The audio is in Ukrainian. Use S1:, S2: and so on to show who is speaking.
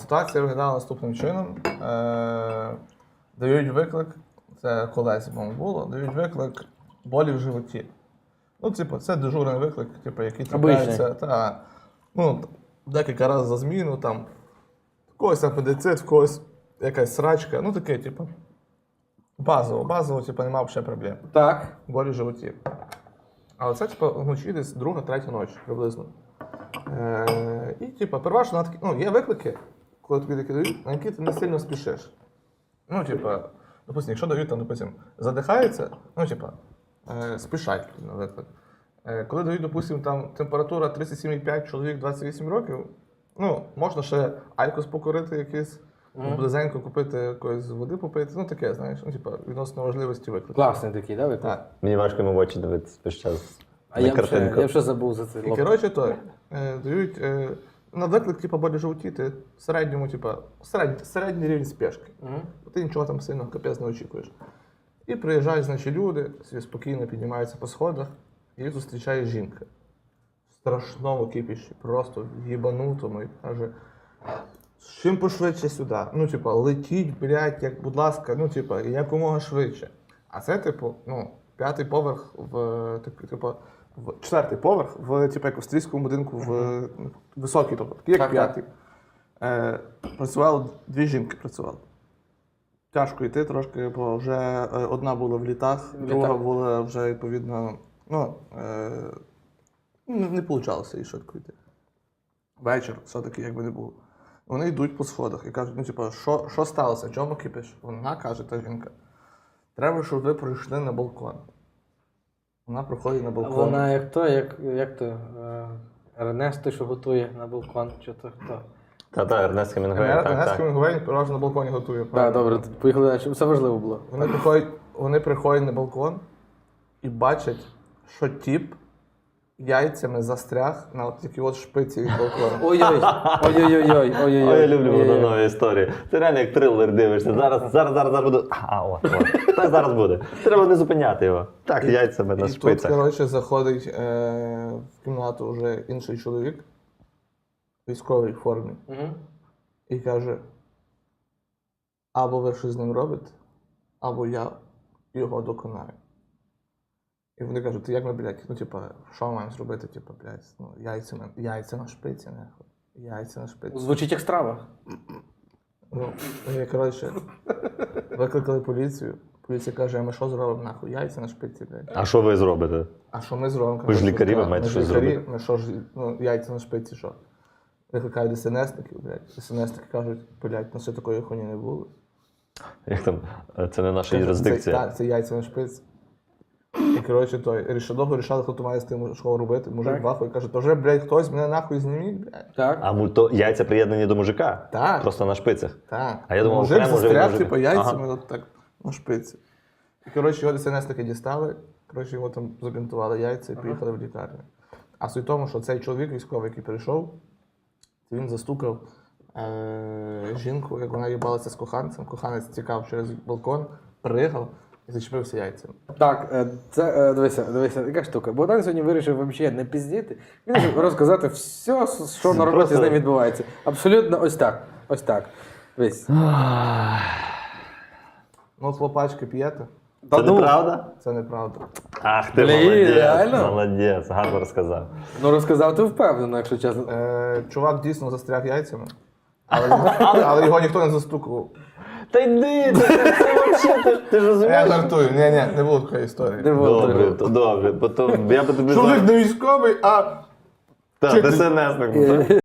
S1: Ситуація виглядала наступним чином. Дають виклик, це колесі, по-моєму, було, дають виклик болі в животі. Ну, типу, це дежурний виклик, типу, який трапляється декілька разів за зміну, там, в когось апендицит, в когось якась срачка, ну таке, типу, базово, типу, немає ще проблем.
S2: Так.
S1: Болі в животі. Але це, типу, вночі десь друга, третя ночі, приблизно. І, типу, переважно на такі, є виклики, коли тобі такі дають, на які ти не сильно спішиш. Ну, типу, допустим, якщо дають, там, допустим, задихається, ну, типу, спішать на виклик. Коли дають, допустим, там температура 37,5, чоловік 28 років, ну, можна ще айкос покурити якийсь, близенько купити якоїсь води попити, ну, таке, знаєш, ну, типу, відносно важливості виклику.
S2: Класний такий, да, виклик?
S1: Так.
S3: Мені важко йому в очі дивитися весь час.
S2: А
S3: на
S2: я
S3: картинку.
S2: вже забув за це.
S1: І, коротше, дають на виклик, типу, болі животі, ти в середньому, типу, середній рівень спешки. Ти нічого там сильно капець не очікуєш. І приїжджають, значить, люди, собі спокійно піднімаються по сходах, і їх зустрічає жінка. В страшному кипіші, просто в їбанутому, і каже, чим пошвидше сюди. Ну, типу, летіть, блядь, як, будь ласка, ну, типу, якомога швидше. А це, типу, п'ятий поверх четвертий поверх в, типу, як в австрійському будинку, в високий, тобто, такий, як п'ятий. Працювало, дві жінки працювали. Тяжко йти трошки, бо вже одна була в літах, друга була вже, відповідно, не вийшло їй швидко йти. Вечір, все-таки, якби не було. Вони йдуть по сходах і кажуть, ну, типу, що сталося, чому кипиш? Вона каже, та жінка, треба, щоб ви прийшли на балкон. Вона проходить на балкон.
S2: Вона як то, Ернест той, що готує на балкон, чи то хто?
S3: Та, Ернест Хемінгуей,
S1: Ернест Хемінгуей переважно на балконі готує.
S2: Так, добре, поїхали далі, все важливо було.
S1: Вони приходять на балкон і бачать, що тіп яйцями застряг на такій от шпиці від балкона.
S2: Ой-ой-ой.
S3: Ой, я люблю водонові історії. Це реально як трилер дивишся. Зараз буду. Так зараз буде. Треба не зупиняти його. Так, яйцями на шпицях.
S1: І тут, коротше, заходить в кімнату вже інший чоловік в військовій формі і каже, або ви щось з ним робите, або я його доконаю. І вони кажуть, як ми, блядь, ну, типа, що ми маємо зробити, типа, блядь, ну, яйця на шпиці, нахуй. Яйця на шпиці.
S2: Звучить як страва.
S1: Ну, і, коротше, викликали поліцію. Поліція каже, а ми що зробимо, нахуй, яйця на шпиці, блядь.
S3: А що ви зробите?
S1: А що ми зробимо?
S3: Ви ж лікарі, ви маєте щось зробити.
S1: Ми що ж, ну, яйця на шпиці, що? Викликають ДСНСників, блядь. ДСНСники кажуть, блядь, ну все такої хуйні не було.
S3: Як там, це не наша юрисдикція.
S1: Так, це яйця на шпиці. І, коротше, довго рішали, хто має з тим що робити. Мужик вахує каже, то вже, блядь, хтось мене нахуй зніміть, блядь.
S2: Так.
S3: А то яйця приєднані до мужика?
S1: Так.
S3: Просто на шпицях?
S1: Так.
S3: А я думав,
S1: мужик
S3: окремо вже від
S1: застряг,
S3: мужика.
S1: типу, яйцями, от так, на шпиці. І, коротше, його ДСНСники дістали, коротше, його там забінтували яйця і поїхали в лікарню. А суть в тому, що цей чоловік військовий, який прийшов, він застукав жінку, як вона їбалася з коханцем. Коханець тікав через балкон, пригав і зачепився яйцями.
S2: Так, це, дивися, яка штука. Богдан сьогодні вирішив взагалі не піздіти. Він вирішив розказати все, що на роботі з ним відбувається. Абсолютно ось так. Весь.
S1: Ну, от лопачки п'єте?
S3: Це неправда?
S1: Це неправда.
S3: Ах ти
S2: реально?
S3: молодець, гарно розказав.
S2: Ну розказав ти впевнено, якщо чесно.
S1: Чувак дійсно застряг яйцями, але його ніхто не застукував.
S3: Та йди, це взагалі, ти ж розумієш?
S1: Я жартую, не було такої історії.
S3: Добре, бо то я би тобі...
S1: Чоловік не військовий, а...
S3: Так, ДСНСник.